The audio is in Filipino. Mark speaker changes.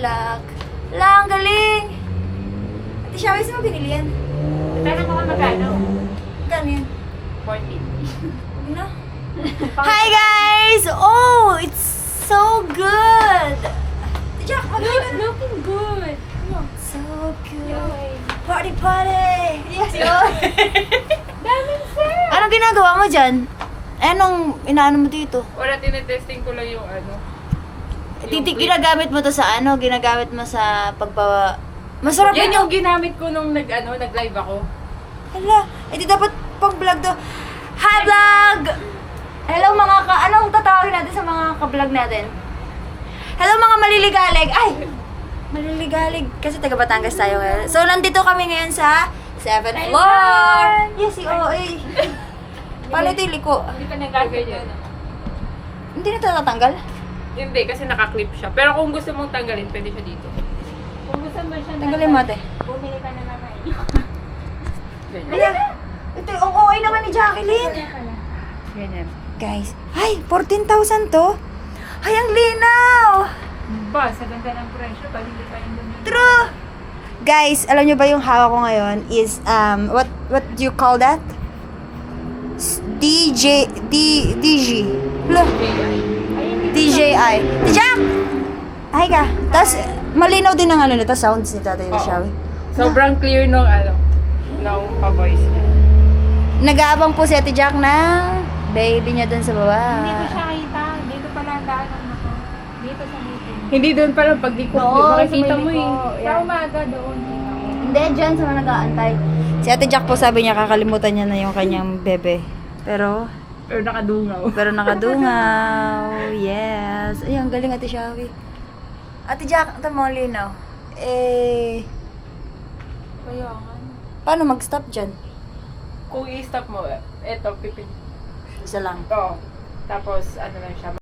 Speaker 1: luck. Wala, ang galing. Ate Shawi, saan mo binili yan?
Speaker 2: Tanong ko magkano?
Speaker 1: Magkano yan?
Speaker 2: 40.
Speaker 1: Huwag na. Hi guys! Oh, it's so good! Ate Jack, mag-hi ka na.
Speaker 2: Looking good.
Speaker 1: So good.
Speaker 2: Yoy.
Speaker 1: Party, party! Yes, yun!
Speaker 2: Daming sir.
Speaker 1: Anong ginagawa mo dyan? Anong inaano mo dito?
Speaker 2: Wala, tinetesting ko lang yung ano.
Speaker 1: Ginagamit mo to sa ano? Ginagamit mo sa pagbawa... Masarap
Speaker 2: Yan
Speaker 1: yun
Speaker 2: yung ginamit ko nung nag-live ako.
Speaker 1: Hala, edi dapat pang vlog to. Hi vlog! Hello mga anong tatawagin natin sa mga ka-vlog natin? Hello mga maliligalig! Ay! Maliligalig. Kasi taga Batangas tayo ngayon. So, nandito kami ngayon sa 7th floor! Yes, si OA. Paano ito yung liko?
Speaker 2: Hindi ka nagaganyan.
Speaker 1: Hindi na ito tatanggal?
Speaker 2: Hindi, kasi nakaklip siya. Pero kung gusto mong tanggalin, pwede siya dito. Kung gusto mo siya
Speaker 1: Tanggalin mo ate.
Speaker 2: bumili ka na naman.
Speaker 1: Hala, ito yung OA naman ni Jacqueline.
Speaker 2: Ganyan.
Speaker 1: Guys, ay, 14,000 to. Ay, ang linaw!
Speaker 2: Ba, sa ganda ng presyo, pag hindi pa yung ganyan.
Speaker 1: True! Guys, alam nyo ba yung hawak ko ngayon is, what do you call that? DG. Hala, DJI. Jack! Ay ka. Tapos, malinaw din ang ano nito, sounds ni Tatay
Speaker 2: Oo.
Speaker 1: Shawi.
Speaker 2: Sobrang clear nung nung pa-voice niya.
Speaker 1: Nag-aabang po si Ate Jack na baby niya dun sa baba.
Speaker 3: Hindi ko siya kita. Dito pala ang daanan ako. Dito sa meeting.
Speaker 2: Hindi doon pa lang pag di ko
Speaker 1: Oo,
Speaker 2: makikita
Speaker 1: sa
Speaker 2: mo
Speaker 1: may
Speaker 2: eh.
Speaker 1: liko.
Speaker 3: Sa umaga doon.
Speaker 1: Hindi, dyan sa mga nag-aantay. Si Ate Jack po sabi niya kakalimutan niya na yung kanyang bebe. Pero nakadungaw. Yes. Ay, ang galing Ate Shawi. Ate Jack, ito mo linaw.
Speaker 3: Kaya nga.
Speaker 1: Paano mag-stop dyan?
Speaker 2: Kung i-stop mo, eto, pipin.
Speaker 1: Isa lang.
Speaker 2: Oo. Tapos, ano lang siya,